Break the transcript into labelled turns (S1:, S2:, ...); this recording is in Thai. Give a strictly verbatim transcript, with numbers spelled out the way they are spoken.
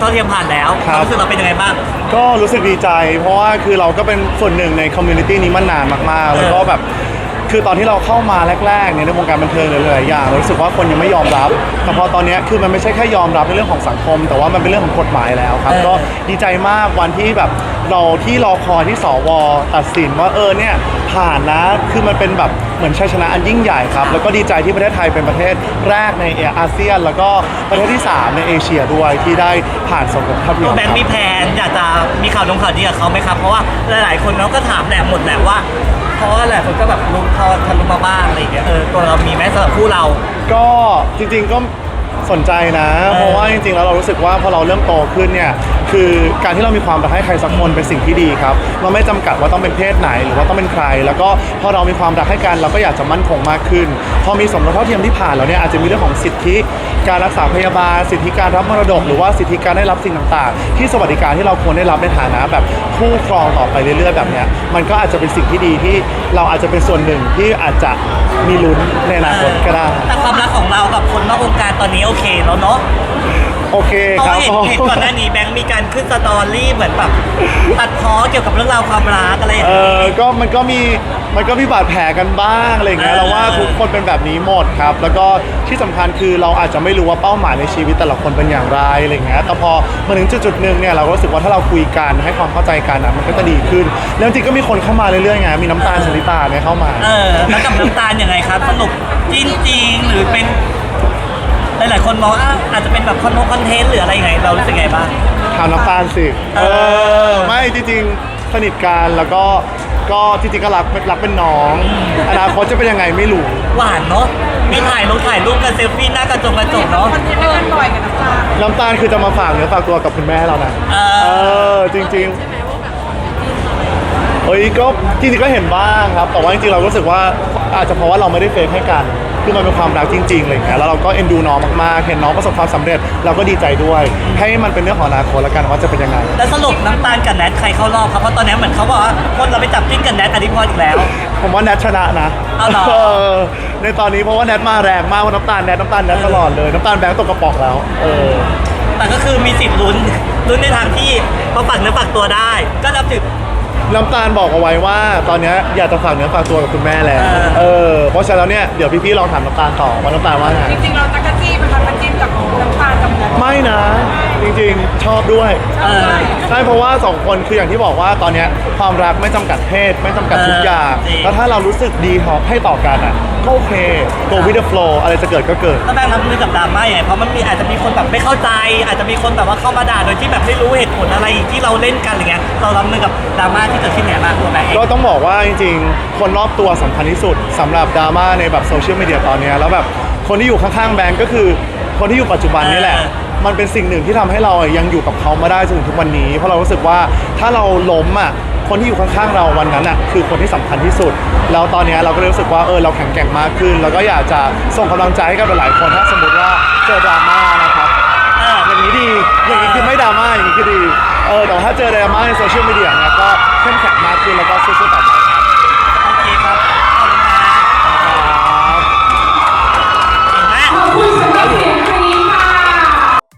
S1: เทียมผ่านแล้วความรู้สึกเราเป็นยังไงบ้าง
S2: ก็รู้สึกดีใจเพราะว่าคือเราก็เป็นส่วนหนึ่งในคอมมูนิตี้นี้มานานมากๆแล้วก็แบบคือตอนที่เราเข้ามาแรกๆเนี่ยในวงการบันเทิงหลายๆอย่างเรารู้สึกว่าคนยังไม่ยอมรับแต่พอตอนนี้คือมันไม่ใช่แค่ยอมรับในเรื่องของสังคมแต่ว่ามันเป็นเรื่องของกฎหมายแล้วครับก็ดีใจมากวันที่แบบเราที่รอคอยที่สวตัดสินว่าเออเนี่ยผ่านนะคือมันเป็นแบบเหมือนชัยชนะอันยิ่งใหญ่ครับแล้วก็ดีใจที่ประเทศไทยเป็นประเทศแรกในอาเซียนแล้วก็ประเทศที่สามในเอเชียด้วยที่ได้ผ่านสงครามภาพยนตร์
S1: แบงค์มีแผนอยากจะมีข่าวลงข่าวดีกับเขาไหมครับเพราะว่าหลายๆคนเขาก็ถามแหละหมดแหละว่าเพราะว่าหลายคนก็แบบรู้พอทะลุมาบ้างอะไรอย่างเงี้ยเออตัวเรามีไหมสำหรับคู่เรา
S2: ก็จริงๆก็สนใจนะเพราะว่าจริงๆแล้วเรารู้สึกว่าพอเราเริ่มโตขึ้นเนี่ยคือการที่เรามีความรักให้ใครสักคนเป็นสิ่งที่ดีครับเราไม่จำกัดว่าต้องเป็นเพศไหนหรือว่าต้องเป็นใครแล้วก็พอเรามีความรักให้กันเราก็อยากจะมั่นคงมากขึ้นพอมีสมรสเท่าเทียมที่ผ่านแล้วเนี่ยอาจจะมีเรื่องของสิทธิการรักษาพยาบาลสิทธิการรับมรดกหรือว่าสิทธิการได้รับสิ่งต่างๆที่สวัสดิการที่เราควรได้รับในฐานะแบบคู่ครองต่อไปเรื่อยๆแบบเนี้ยมันก็อาจจะเป็นสิ่งที่ดีที่เราอาจจะเป็นส่วนหนึ่งที่อาจจะมีลุ้นในอนาคตก็ได้
S1: แต่ความรักของเรากับคนนอกวงการตอนนี้โอเคแล้วเนาะ
S2: โอเคครับ
S1: เห็นเห็นก่อนหน้านี้แบงค์มีการขึ้นสตอรี่เหมือนแบบตัดพ้อเกี่ยวกับเรื่องราวความรักอะไรอย่าง
S2: เออ
S1: เงี้ย
S2: ก็มันก็มีมันก็มีบาดแผลกันบ้างอะไรอย่างเงี้ยเราว่าทุกคนเป็นแบบนี้หมดครับแล้วก็ที่สำคัญคือเราอาจจะไม่รู้ว่าเป้าหมายในชีวิตแต่ละคนเป็นอย่างไรอะไรอย่างเงี้ยแต่พอมาถึงจุดจุดหนึ่งเนี่ยเราก็รู้สึกว่าถ้าเราคุยกันให้ความเข้าใจกันนะมันก็จะดีขึ้นแล้วจริงก็มีคนเข้ามาเรื่อยๆไงมีน้ำตาลชลิตาเนี่ยเข้ามา
S1: เออแล้วกับน้ำตาลยังไงครับสนุกจริงๆหรือเป็นหลายๆคนมองว่าอาจจะเป็นแบบคอนเทนต์หรืออะไรยังไงเรารู้สึกไงบ้าง
S2: ถามน้ำตาลสิเออไม่จริงๆสนิทกันแล้วก็ก็จริงๆก็รักรักเป็นน้องอนาคตจะเป็นยังไงไม่รู้
S1: หวานเนาะมีถ่ายรูปถ่ายรูปกันเซลฟี่หน้ากระจกกระจกเนาะ
S3: คอนเทนต์ด้วยกันบ่อยกับน้ำตาล
S2: น้ำตาลคือจะมาฝากเนื้อฝากตัวกับคุณแม่เรานะเออจริงๆเฮ้ยก็จริงๆก็เห็นบ้างครับแต่ว่าจริงๆเรารู้สึกว่าอาจจะเพราะว่าเราไม่ได้เฟซให้กันคือมันเป็นความรักจริงๆอะไรอย่างเงี้ยแล้วเราก็เอ็นดูน้องมากๆเห็นน้องประสบความสำเร็จเราก็ดีใจด้วยให้มันเป็นเรื่องของอนาคตแล้วกันว่าจะเป็นยังไง
S1: แล้วสรุปน้ำตาลกับแนทใครเข้ารอบครับเพราะตอนนี้เหมือนเขาบอกว่าคนเราไปจับจิ้นกับแนทอธิพรอีกแล้ว
S2: ผมว่าแนทชนะนะ
S1: เอาเหรอ
S2: ในตอนนี้เพราะว่าแนทมาแรงมากว่าน้ำตาลแนทน้ำตาลแนทตลอดเลยน้ำตาลแบงค์ตกกระป๋องแล้วเออ
S1: แต่ก็คือมีสิทธิ์ลุ้นลุ้นในทางที่เขาฝากเนื้อฝากตัวได้ก็นับถือ
S2: น้ำตาลบอกเอาไว้ว่าตอนนี้อยากจะฝากเนื้อฝากตัวกับคุณแม่แล้วเออเพราะฉะนั้นแล้วเนี่ยเดี๋ยวพี่ๆลองถามน้ำตาลต่อว่าน้ำตาลว่าไง
S3: จริงๆเราตักกะจี้เป็นคนมาจิ้มกับน้ำตาลกับแนท
S2: ไม่นะจริงๆชอบด้วยใช่เพราะว่าสองคนคืออย่างที่บอกว่าตอนนี้ความรักไม่จำกัดเพศไม่จำกัดทุกอย่างแล้วถ้าเรารู้สึกดีพอให้ต่อกันอ่ะก็โอเค go with the flow อะไรจะเกิดก็เกิด
S1: แล้วแบงค์รับมือกับดราม่าอย่างไรเพราะมันมีอาจจะมีคนแบบไม่เข้าใจอาจจะมีคนแบบว่าเข้ามาด่าโดยที่แบบไม่รู้เหตุผลอะไรที่เราเล่นกันอะไรเงี้ยเรารับมือกับดราม่าที่เกิดขึ้นไงบ้างตัวแบงค์
S2: ก็ต้องบอกว่าจริงๆคนรอบตัวสำคัญที่สุดสำหรับดราม่าในแบบโซเชียลมีเดียตอนนี้แล้วแบบคนที่อยู่ข้างๆแบงค์ก็คือคนที่อยู่ปัจจุบันนี่แหละมันเป็นสิ่งหนึ่งที่ทำให้เรายังอยู่กับเขามาได้จนถึงทุกวันนี้เพราะเรารู้สึกว่าถ้าเราล้มอ่ะคนที่อยู่ข้างๆเราวันนั้นอ่ะคือคนที่สำคัญที่สุดแล้วตอนนี้เราก็รู้สึกว่าเออเราแข็งแกร่งมากขึ้นแล้วก็อยากจะส่งกำลังใจให้กับหลายคนถ้าสมมติว่าเจอดราม่านะครับอย่างนี้ดีอย่างนี้คือไม่ดราม่าอย่างนี้คือดีเออแต่ถ้าเจอดราม่าในโซเชียลมีเดียเนี่ยก็เข้มแข็งมากขึ้นแล้วก็สู้ๆต่อไป